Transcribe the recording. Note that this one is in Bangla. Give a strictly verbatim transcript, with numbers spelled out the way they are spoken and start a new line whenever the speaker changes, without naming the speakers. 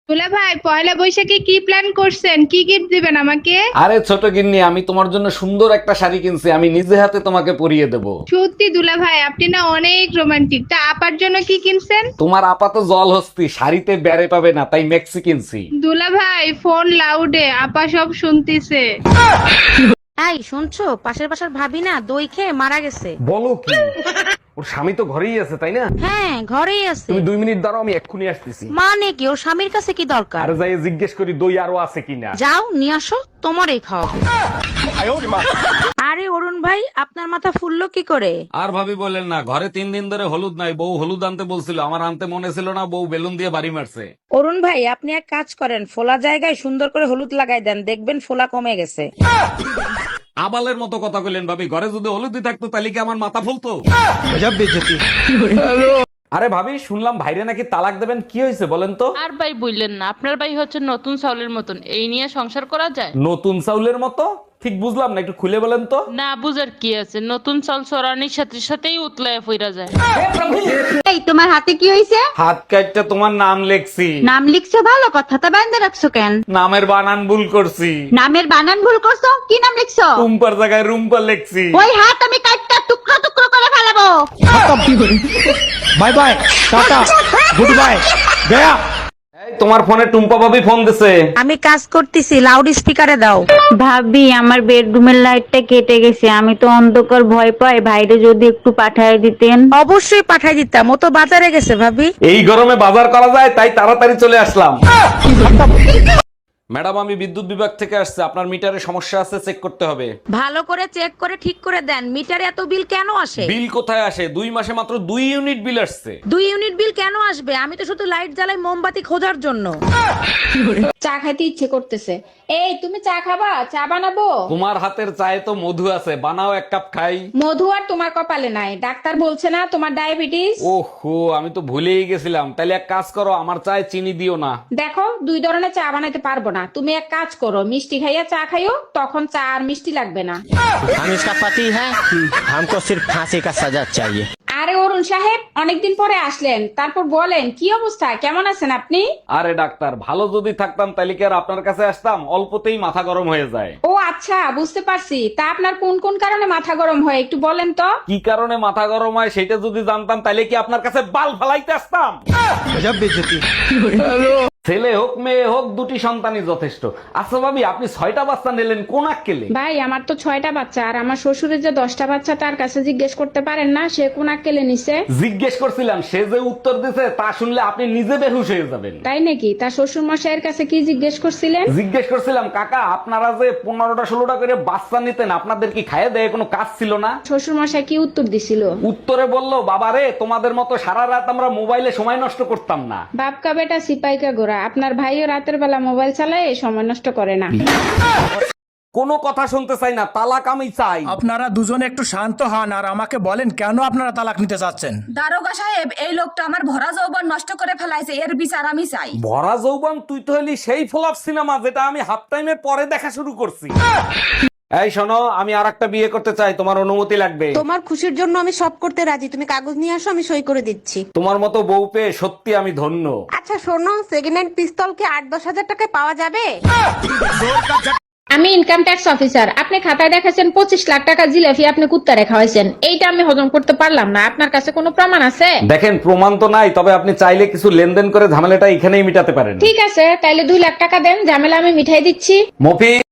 দুলা ভাই পয়লা বৈশাখে কি প্ল্যান করছেন? কি গিফট দিবেন আমাকে?
আরে ছোট গিন্নি, আমি তোমার জন্য সুন্দর একটা শাড়ি কিনছি, আমি নিজে হাতে তোমাকে পরিয়ে দেব।
সত্যি দুলা ভাই, আপনি না অনেক রোমান্টিক। তা আপার জন্য কি কিনছেন?
তোমার আপাত জল হস্তি, শাড়িতে বেড়ে পাবে না, তাই মেক্সি কিনছি।
দুলা ভাই ফোন লাউডে, আপা সব শুনতিছে।
এই শুনছো, পাশের পাশের ভাবি না দই খেয়ে মারা গেছে।
বলো কি? ওর স্বামী তো ঘরেই আছে, তাই না?
হ্যাঁ ঘরেই আছে।
তুমি দুই মিনিট দাঁড়াও, আমি এক্ষুনি আসতেছি।
মানে কি, ওর স্বামীর কাছে কি দরকার?
আর যাই জিজ্ঞেস করি দই আরো আছে কিনা।
যাও নিয়ে আসো, তোমারই খাওয়াবো। আরে অরুণ ভাই, আপনার মাথা ফুললো কি করে?
আর ভাবি বলেন না, ঘরে তিন দিন ধরে হলুদ নাই, বউ হলুদ আনতে বলছিল, আমার আনতে মনে ছিল না, বউ বেলুন দিয়ে বাড়ি মারছে।
অরুণ ভাই, আপনি এক কাজ করেন, ফোলা জায়গায় সুন্দর করে হলুদ লাগাই দেন, দেখবেন ফোলা কমে গেছে।
আবালের মতো কথা কইলেন ভাবি, ঘরে যদি হলুদই থাকতো তাহলে কি আমার মাথা ফুলতো? আরে ভাবি, শুনলাম ভাইরে নাকি তালাক দেবেন, কি হয়েছে বলেন তো?
আর ভাই বললেন না, আপনার ভাই হচ্ছে নতুন চাউলের মতন, এই নিয়ে সংসার করা যায়?
নতুন চাউলের মতো? ঠিক বুঝলাম না, একটু খুলে বলেন তো।
না বুঝার কি আছে, নতুন চাল চড়ানির সাথে সাথেই উতলায় ফিরা যায়।
এই তোমার হাতে কি হয়েছে?
হাত কাটটা তোমার নাম লেখছি।
নাম লিখছো ভালো কথা, তা বান্ধে রাখছো কেন?
নামের বানান ভুল করছি।
নামের বানান ভুল করছো? কি নাম লিখছো?
রুম্পার জায়গায় রুম্পা লেখছি।
ওই হাত আমি কাটটা টুকরো টুকরো করে ফেলাবো।
Bye bye, tata, good bye, গয়া।
এই, তোমার ফোনে টুম্পা ভাবি ফোন দিছে।
আমি কাজ করতেছি, লাউড স্পিকারে দাও।
ভাবি, আমার বেডরুমের লাইটটা কেটে গেছে, আমি তো অন্ধকার ভয় পাই, ভাইরে যদি একটু পাঠায় দিতেন।
অবশ্যই পাঠাই দিতাম, ও তো বাজারে গেছে ভাবি।
এই গরমে বাজার করা যায়, তাই তাড়াতাড়ি চলে আসলাম। ম্যাডাম, আমি বিদ্যুৎ বিভাগ থেকে আসছে, আপনার মিটারে সমস্যা আছে, চেক করতে হবে।
ভালো করে চেক করে ঠিক করে দেন, মিটারে এত বিল কেন আসে?
বিল কোথায় আসে? দুই মাসে মাত্র দুই ইউনিট বিল আসছে।
দুই ইউনিট বিল কেন আসবে? আমি তো শুধু লাইট জ্বালাই মোমবাতি খোঁজার জন্য।
চা খাইতে ইচ্ছে করতেছে। এই তুমি চা খাবা? চা বানাবো?
তোমার হাতের চায়ে তো মধু আছে, বানাও এক কাপ খাই।
মধু আর তোমার কপালে নাই, ডাক্তার বলছে না তোমার ডায়াবেটিস।
ওহো, আমি তো ভুলেই গেছিলাম। তাইলে এক কাজ করো, আমার চায়ে চিনি দিও না।
দেখো, দুই ধরনের চা বানাইতে পারবো না। তুমি এক কাজ করো, মিষ্টি খাইয়া চা খাইও, তখন চা আর মিষ্টি লাগবে না।
हम इसका पति है, हमको सिर्फ फांसी का सजा चाहिए।
আরে অরুণ সাহেব, অনেকদিন পরে আসলেন, তারপর বলেন কি অবস্থা, কেমন আছেন আপনি?
আরে ডাক্তার, ভালো যদি থাকতাম তাহলে কি আর আপনার কাছে আসতাম? অল্পতেই মাথা গরম হয়ে যায়।
ও আচ্ছা, বুঝতে পারছি। তা আপনার কোন কোন কারণে মাথা গরম হয় একটু বলেন তো।
কি কারণে মাথা গরম হয় সেটা যদি জানতাম তাহলে কি আপনার কাছে বাল ফালাইতে আসতাম?
गजब बेइज्जती।
ছেলে হোক মেয়ে হোক, দুটি সন্তানই যথেষ্ট। আচ্ছা ভাবি, আপনি ছয়টা বাচ্চা নিলেন কোন আক্কেলে?
ভাই, আমার তো ছয়টা বাচ্চা, আর আমার শ্বশুরের যে দশটা বাচ্চা, তার কাছে জিজ্ঞেস করতে পারেন না সে কোন আক্কেলে নিছে?
জিজ্ঞেস করছিলাম, সে যে উত্তর দিছে তা শুনলে আপনি নিজে বেহুশ হয়ে যাবেন।
তাই নাকি? তার শ্বশুর মশাইয়ের কাছে কি জিজ্ঞেস করছিলেন?
জিজ্ঞেস করছিলাম, কাকা আপনারা যে পনেরোটা ষোলোটা করে বাচ্চা নিতেন, আপনাদের কি খাইয়ে দেয় কোনো কাজ ছিল না?
শ্বশুর মশাই কি উত্তর দিছিল?
উত্তরে বলল, বাবা রে, তোমাদের মতো সারা রাত আমরা মোবাইলে সময় নষ্ট করতাম না।
বাপকা বেটা সিপাইকা গোরা, আপনার ভাইও রাতের বেলা মোবাইল চালায়, সময় নষ্ট করে না।
কোনো কথা শুনতে চাই না, তালাক আমি চাই।
আপনারা দুজনে একটু শান্ত হন আর আমাকে বলেন কেন আপনারা তালাক নিতে চাচ্ছেন।
দারোগা সাহেব, এই লোকটা আমার ভরা যৌবন নষ্ট করে ফেলাইছে, এর বিচার আমি চাই।
ভরা যৌবন? তুই তো হলি সেই ফ্লপ সিনেমা যেটা আমি হাফ টাইমের পরে দেখা শুরু করছি। এই শোনো, আমি আর একটা বিয়ে করতে চাই, তোমার অনুমতি লাগবে।
তোমার খুশির জন্য আমি সব করতে রাজি, তুমি কাগজ নিয়ে আসো, আমি সই করে দিচ্ছি।
তোমার মতো বউ পেয়ে সত্যি আমি ধন্য।
আচ্ছা শোনো, সেকেন্ড হ্যান্ড পিস্তল কি আট দশ হাজার টাকায় পাওয়া যাবে?
আমি ইনকাম ট্যাক্স অফিসার। আপনি খাতায় দেখাছেন পঁচিশ লাখ টাকা জিলাপি আপনি কুত্তা রেখা হয়েছেন, এইটা আমি হজম করতে পারলাম না। আপনার কাছে কোনো প্রমাণ আছে?
দেখেন, প্রমাণ তো নাই, তবে আপনি চাইলে কিছু লেনদেন করে ঝামেলাটা এখানেই মিটাতে পারেন।
ঠিক আছে, তাইলে দুই লাখ টাকা দেন, ঝামেলা আমি মিঠাই দিচ্ছি।
মফি